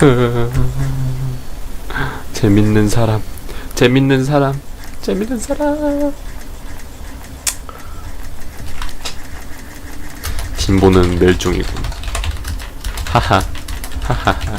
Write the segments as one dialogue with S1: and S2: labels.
S1: 재밌는 사람, 재밌는 사람, 재밌는 사람. 딘보는 멸종이군. 하하, 하하하.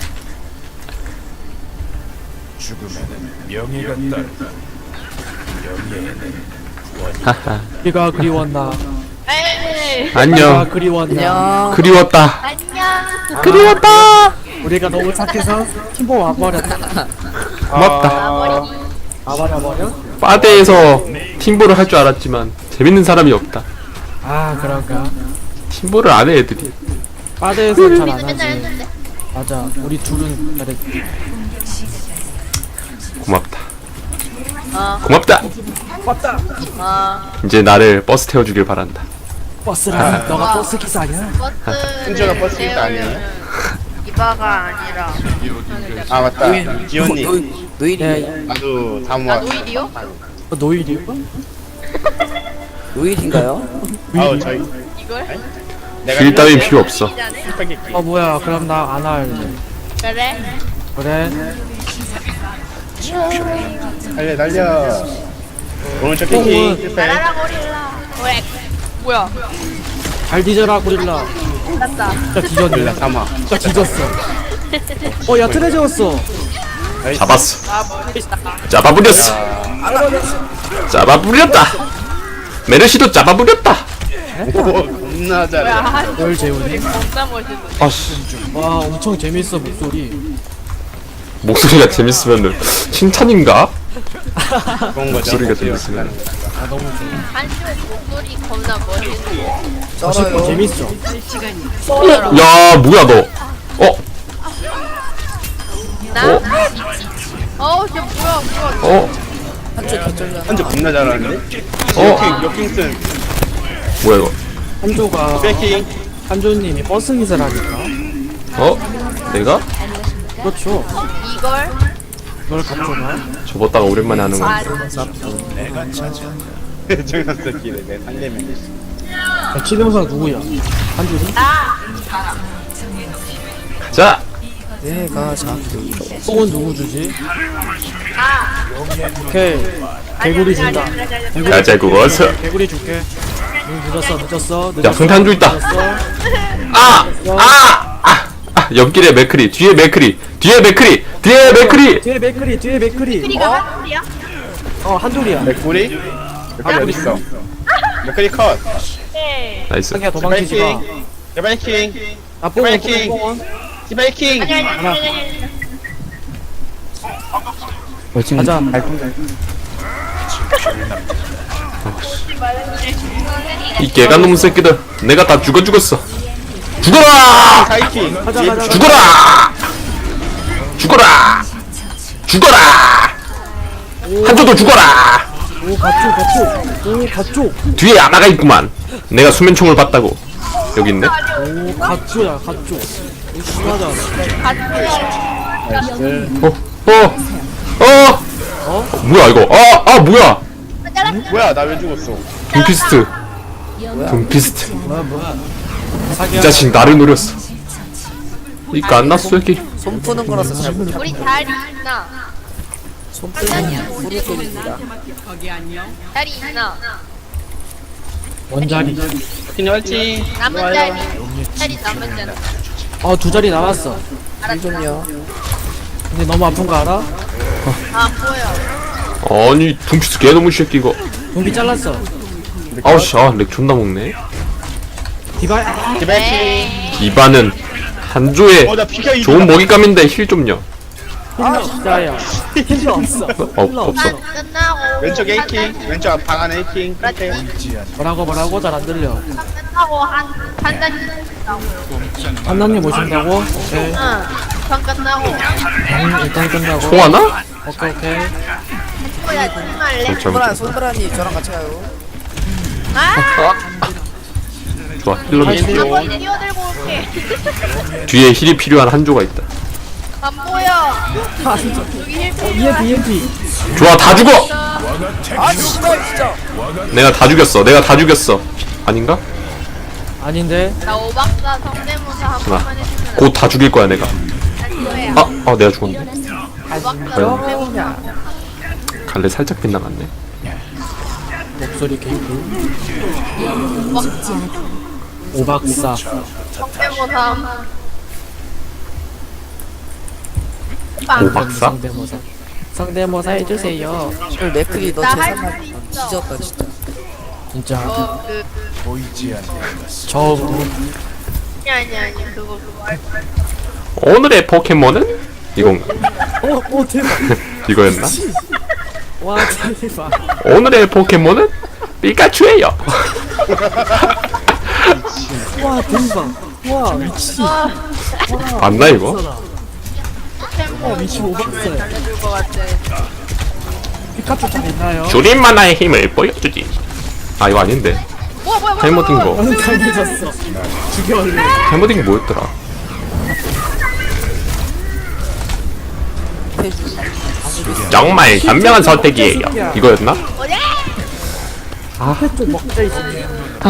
S2: 죽음에는 명예가 따른다. 명예에는
S1: 하하.
S3: 네가 그리웠나?
S4: 에이.
S3: 네가
S1: 안녕.
S3: 그리웠나?
S1: 그리웠다.
S4: 안녕.
S1: 그리웠다.
S3: 우리가 너무 착해서 팀보 와버렸다.
S1: 고맙다.
S4: 아버리.
S3: 와버려?
S1: 빠데에서 팀보를 할 줄 알았지만 재밌는 사람이 없다.
S3: 아 그런가?
S1: 팀보를 안 해 애들이.
S3: 빠데에서 잘 안
S4: 우리는 맨날
S3: 하지.
S4: 했는데.
S3: 맞아. 우리 둘은 잘했지.
S1: 고맙다.
S4: 어.
S1: 고맙다.
S4: 어.
S1: 이제 나를 버스 태워주길 바란다.
S3: 버스라. 너가 버스 기사 아니야?
S4: 버스.
S5: 순저가 버스 기사 아니에요?
S4: 이바가 아니라.
S5: 아 맞다 지원님
S3: 네.
S5: 나도 다음
S4: 나
S5: 와
S4: 노일이요?
S3: 노일이요?
S6: 노일인가요?
S5: 아우 저희
S4: 이걸?
S5: 내가
S1: 길 따윈 필요 없어.
S5: 스파게티
S3: 뭐야? 그럼 나 안 할래.
S4: 그래?
S3: 그래?
S5: 달려 달려 오른쪽 킹킹 실패
S4: 나라라 고릴라. 왜? 뭐야?
S3: 잘 뒤져라 고릴라.
S4: 났다.
S3: 진짜 뒤졌네.
S5: 몰라 삼아
S3: 진짜 뒤졌어. 야 트레저였어.
S1: 잡았어.
S4: 아 멋있다.
S1: 잡아부렸어. 잡아부렸다. 메르시도 잡아부렸다.
S5: 오 겁나 잘해
S4: 뭐야? 한
S3: 널 재우니?
S4: 소리 겁나 멋있어.
S1: 아씨.
S3: 와 엄청 재밌어 목소리.
S1: 목소리가 재밌으면은 칭찬인가?
S5: 그런 거죠
S1: 목소리가 재밌으면.
S3: 아 너무 좋아.
S4: 한쪽 목소리 겁나 멋있어.
S6: 쩔어요.
S3: 재밌어.
S1: 야 뭐야 너? 어?
S4: 나? 어우 저 뭐야 그거.
S1: 어?
S6: 한쪽 개쩔려.
S5: 한쪽 겁나 잘하는데
S1: 어?
S5: 역킹슨
S1: 뭐야 이거?
S3: 한조가
S5: 백킹
S3: 한조님이 버스 기사라니까.
S1: 어? 내가?
S3: 그렇죠.
S4: 이걸?
S3: 그걸 갖춰놔.
S1: 접었다가 오랜만에 하는
S4: 아,
S1: 거야.
S2: 내가 찾아.
S5: 정상스럽기네 내 상대면
S3: 치명사 누구야? 한조니?
S1: 자,
S6: 내가 자꾸
S3: 뽕은 누구 주지? 오케이. 개구리 준다.
S1: 가자 구워서.
S3: 개구리 줄게. 늦었어.
S1: 야 성탄주 있다.
S3: 늦었어.
S1: 옆길에 맥크리, 뒤에 맥크리, 뒤에 맥크리, 뒤에 맥크리.
S3: 뒤에 맥크리.
S4: 크리가 한줄이야?
S3: 한조리야.
S5: 맥구리? 맥구리 어딨어 맥구리 컷
S4: 네.
S1: 나이스.
S3: 상기야 도망치지 마.
S5: 개발킹
S3: 아 뽕은
S5: 백킹.
S3: 뽕은.
S5: 개발킹
S3: 가자.
S1: 이 개간놈 새끼들, 내가 다 죽었어. 죽어라!
S5: 하이킹
S3: 가자.
S1: 죽어라! 한조도 죽어라!
S3: 오 가쪽.
S1: 뒤에 아나가 있구만. 내가 수면총을 봤다고. 여기 있네.
S3: 오 가쪽이야 가쪽. 심하다.
S1: 뭐야 이거? 뭐야?
S5: 뭐야 나 왜 죽었어
S1: 둠피스트.
S3: 뭐야.
S1: 이
S3: 사기야.
S1: 자식 나를 노렸어. 이거 안 났어 여기.
S6: 손 푸는 거라서 잘 못해.
S4: 우리 다리 있나?
S6: 손 푸는 후루 쪽입니다.
S4: 다리 있나?
S3: 원자리.
S5: 킹 화이팅
S4: 남은 자리. 자리 남은 자리.
S3: 두 자리 남았어.
S6: 일좀요.
S3: 근데 너무 아픈 거 알아?
S4: 아 보여.
S1: 아니 둠피스트 개놈의 새끼 이거.
S3: 돈비 잘랐어.
S1: 아우씨, 렉 존나 먹네.
S3: 디바.
S5: 개발킹
S1: 이반은 한조의
S5: 어나 피가
S1: 좋은 먹잇감인데 힐 좀요.
S3: 진짜야. 필요 없어.
S1: 없어.
S4: 끝나고.
S5: 왼쪽 A킹 왼쪽 방 안에 A킹 끝에
S3: 뭐라고 잘 안 들려.
S4: 끝나고 한 잔.
S3: 한남님 오신다고? 오케이.
S4: 응. 전 끝나고.
S3: 일단 끝나고.
S1: 총 하나?
S3: 오케이.
S4: 뭐야 정말래?
S6: 손브라니 저랑 같이 가요.
S4: 아.
S1: 좋아, 힐러는
S4: 한번 뛰어들고 올게.
S1: 뒤에 힐이 필요한 한조가 있다.
S4: 안 보여. 여기 힐 필요해.
S3: EMP.
S1: 좋아, 다 죽어.
S6: 아 씨발 진짜.
S1: 내가 다 죽였어. 아닌가?
S3: 아닌데.
S4: 나 오박사 성대모사 한 번만 해주면
S1: 곧 다 죽일 거야 내가.
S4: 안 돼요.
S1: 내가 죽었네.
S3: 안녕.
S1: 갈래 살짝 빗나갔네.
S3: 목소리 개꿀. 오박사.
S4: 성대모삼. 빵.
S1: 오박사?
S3: 성대모사. 성대모사 해주세요.
S6: 오늘 맥클이 너
S4: 나할
S6: 재산만
S4: 수 있어.
S6: 뒤졌다 진짜.
S3: 진짜.
S2: 보이지 않는 것을
S3: 저
S4: 아니 그거 할 거야.
S1: 오늘의 포켓몬은 이건가?
S3: 오 대박.
S1: 이거였나?
S3: 와 대박.
S1: 오늘의 포켓몬은 피카츄예요.
S3: 와 대박. 와 미친.
S1: 맞나 이거?
S3: 미친 오박사야.
S4: 알려줄 것 같아.
S3: 피카츄 잘 있나요?
S1: 줄인 만화의 힘을 보여주지. 아 이거 아닌데.
S4: 뭐야.
S1: 잘못된 거.
S3: 나는 강해졌어. 죽여올래.
S1: 잘못된 게 뭐였더라? 정말 현명한 선택이에요. 이거였나?
S4: 뭐냐?
S3: 좀 먹자 있으면.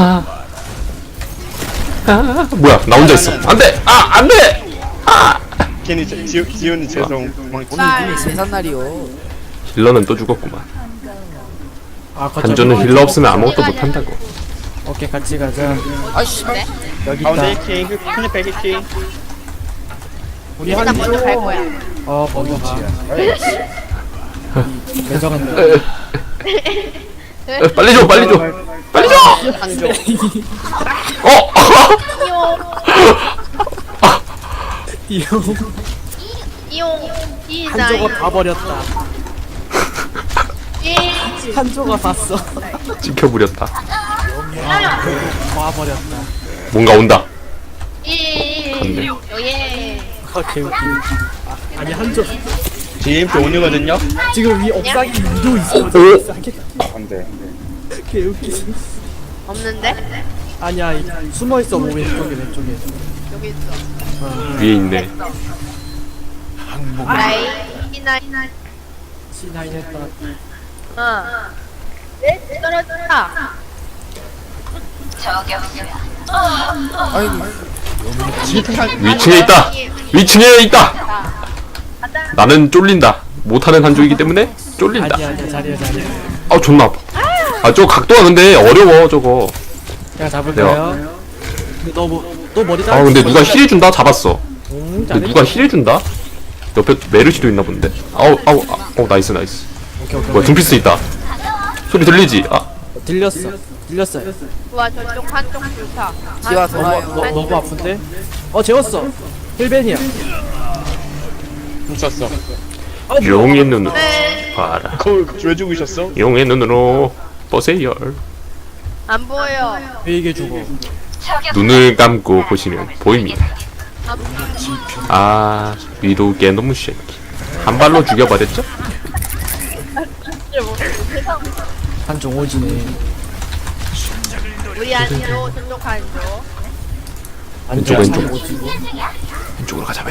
S1: 뭐야? 나 혼자 있어. 안돼. 안돼.
S5: 괜히 지훈이 죄송.
S6: 오늘 이분이 재산날이요.
S1: 힐러는 또 죽었구만. 한조는
S3: 거점이-
S1: 힐러 없으면 아무것도 못 한다고.
S3: 오케이 같이 가자.
S6: 아이씨.
S3: 여기
S5: 가운데
S3: 있다.
S5: 킹, 큰일 백이 킹.
S3: 우리
S4: 나 먼저 갈 거야.
S3: 먼저 가. 매정한데.
S1: 빨리 줘. 빨리 줘. 빨리 줘.
S5: 한조.
S3: 이용
S4: 이용
S3: 한조가 다 버렸다.
S4: 이
S3: 한조가 봤어.
S1: 찍혀버렸다.
S3: 와 버렸다.
S1: 뭔가 온다.
S4: 예.
S3: 개웃기. 아니 한조
S5: GMP 온이거든요.
S3: 지금 위 옥상에 위도 있어.
S1: 오.
S5: 안돼.
S3: 개웃기.
S4: 없는데?
S3: 아니야 숨어 있어 뭐 왼쪽에.
S4: 여기 있어.
S1: 위에 있네.
S4: 나이 이나
S3: C9 했다.
S4: 네 떨어졌다.
S6: 아이고.
S1: 위층에 있다. 위층에 있다. 나는 쫄린다. 못하는 한조이기 때문에 쫄린다.
S3: 아니야 자리야.
S1: 존나 아파. 저 각도가 근데 어려워 저거.
S3: 제가 잡을까요? 근데 너 머리
S1: 근데 누가 힐 해준다? 잡았어. 근데
S3: 잘해.
S1: 누가 힐 해준다? 옆에 메르시도 있나 본데. 나이스.
S3: 오케이.
S1: 뭐야 둠피스 있다. 소리 들리지?
S3: 들렸어요.
S4: 와 저쪽 한쪽 좋다.
S6: 기와 돌아요.
S3: 너무 아픈데? 재웠어. 힐벤이야.
S5: 훔쳤어.
S1: 용의 눈으로 봐라.
S5: 왜 죽으셨어?
S1: 용의 눈으로 보세요.
S4: 안 보여.
S3: 왜 이게 죽어?
S1: 눈을 감고 보시면 보입니다. 위도 개놈 새끼. 한 발로 죽여버렸죠?
S3: 한종 오지네.
S4: 우리 안으로 저쪽 한쪽.
S1: 왼쪽.
S3: 한종 오지고.
S1: 왼쪽으로 가자.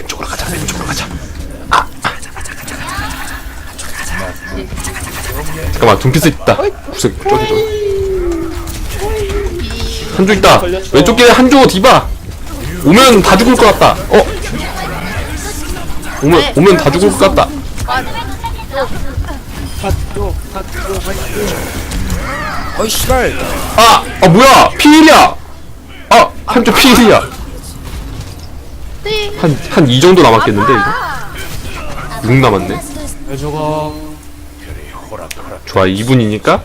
S1: 잠깐만 둠피스 있다. 구석 저기. 한조 있다. 왼쪽 길에 한조 디바. 오면 다 죽을 것 같다. 오면 다 죽을 것 같다.
S6: 어이 씨발.
S1: 뭐야? 피일이야. 한조 피일이야. 한 이 정도 남았겠는데 이거? 6 남았네.
S3: 왜 죽어?
S1: 좋아 2분이니까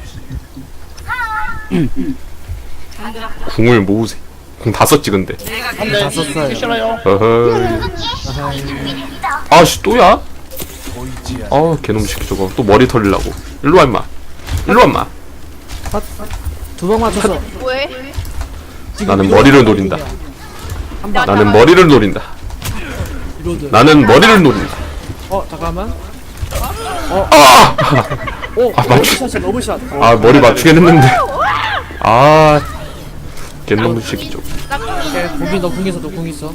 S1: 궁을 모으세요. 궁 다 썼지 근데.
S3: 다 썼어요.
S5: 싫어요.
S1: 아씨 또야? 개놈 새끼 저거 또 머리 털리려고. 일로와 임마.
S3: 두 방 맞췄어.
S4: 왜?
S1: 나는 머리를 노린다. 나는 머리를 노린다.
S3: 이로드.
S1: 나는 머리를 노린다.
S3: 잠깐만.
S1: 맞추.
S3: 러브샷.
S1: 머리 맞추긴 했는데. 개놈 새끼 저거.
S3: 궁이 너 궁있어. 너 궁있어.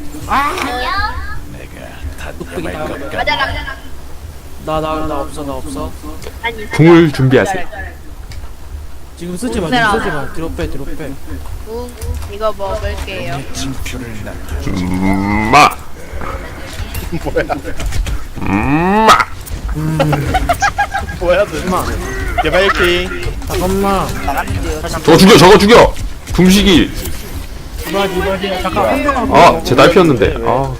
S4: 맞아라.
S3: 나 없어.
S4: 아니
S1: 궁을 준비하세요.
S3: 지금 쓰지 마. 뒤로 빼.
S4: 이거 먹을게요.
S2: 진표를 남.
S1: 마.
S5: 뭐야? 뭐야 너 개발킹
S3: 잠깐만.
S6: 나갔는데요.
S1: 저거 죽여 궁식이.
S3: 이바지. 잠깐 한 대만.
S1: 아, 제 딸피였는데. 아.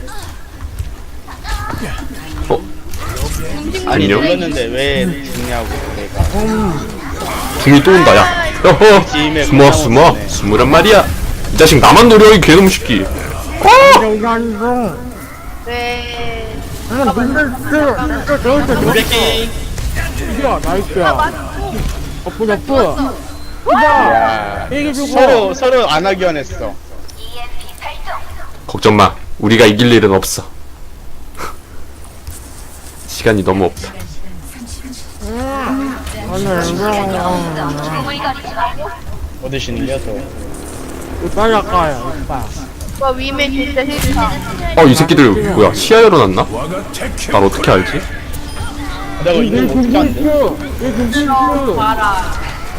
S5: 아니
S1: 안녕?
S5: 눌렀는데 왜 죽냐고 내가
S1: 궁이 또 온다, 야. 어허.
S5: 팀에
S1: 숨으란 말이야. 이 자식 나만 노려, 이 개놈 새끼.
S3: 이거 아니고.
S4: 네.
S5: 백킹
S3: 이겨, 나이스야. 어프.
S5: 야
S3: 얘기 주고.
S5: 서로 안 하기원 했어
S1: 걱정 마. 우리가 이길 일은 없어. 시간이 너무 없다.
S5: 어디 시는겨 저
S3: 이빨 할까요, 이빨.
S4: 와 위메 진짜 싫다.
S1: 이 새끼들 뭐야? 시야 열어놨나? 날 어떻게 알지?
S5: 내가 이거 어떻게 안돼
S4: 봐라.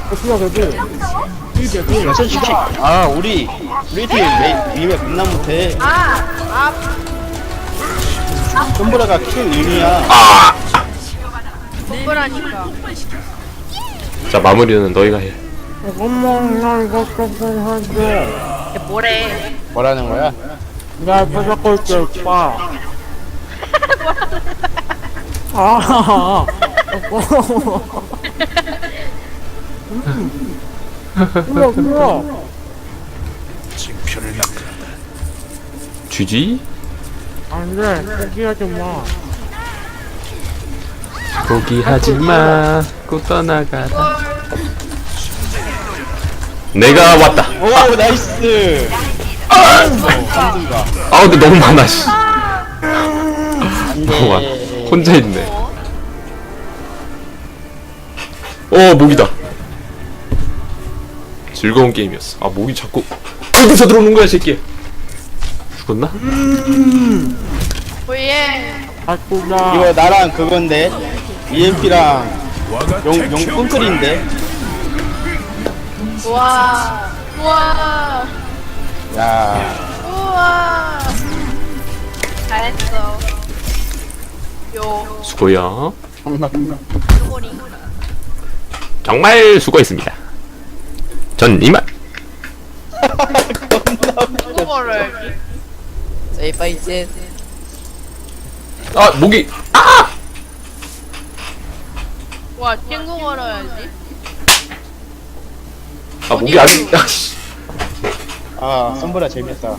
S5: 솔직히 우리 팀 위에 겁나 못해 손보라가 킬 1위야
S4: 뭐라니까.
S1: 자, 마무리는 너희가 해.
S3: 나 이거 조금 하지.
S4: 뭐래?
S5: 뭐라는 거야?
S3: 나 옆에 잡고 있게, 오빠. 아, 그래.
S2: 징표를 남겨라.
S1: 쥐지?
S3: 안 돼, 포기하지 마.
S1: 포기하지 마. 고 떠나가라. 내가 왔다.
S5: 오 나이스 한순가
S1: 근데 너무 많아, 씨. 너무 많아. 혼자 있네. 목이다. 즐거운 게임이었어. 목이 자꾸 어디서 들어오는 거야, 새끼. 죽었나?
S4: 오예.
S3: 바꾸자.
S5: 이거 나랑 그건데 EMP랑 용 끈끌인데
S4: 우와. 우와.
S5: 야
S4: 우와. 잘했어. 요.
S1: 수고요.
S4: 꼬리.
S1: 정말 수고했습니다. 전 이만.
S4: 누구 걸어야지?
S6: 이빨 이제.
S1: 목이.
S4: 와 친구 걸어야지.
S1: 목이 아직. 씨.
S5: 손보라 재밌다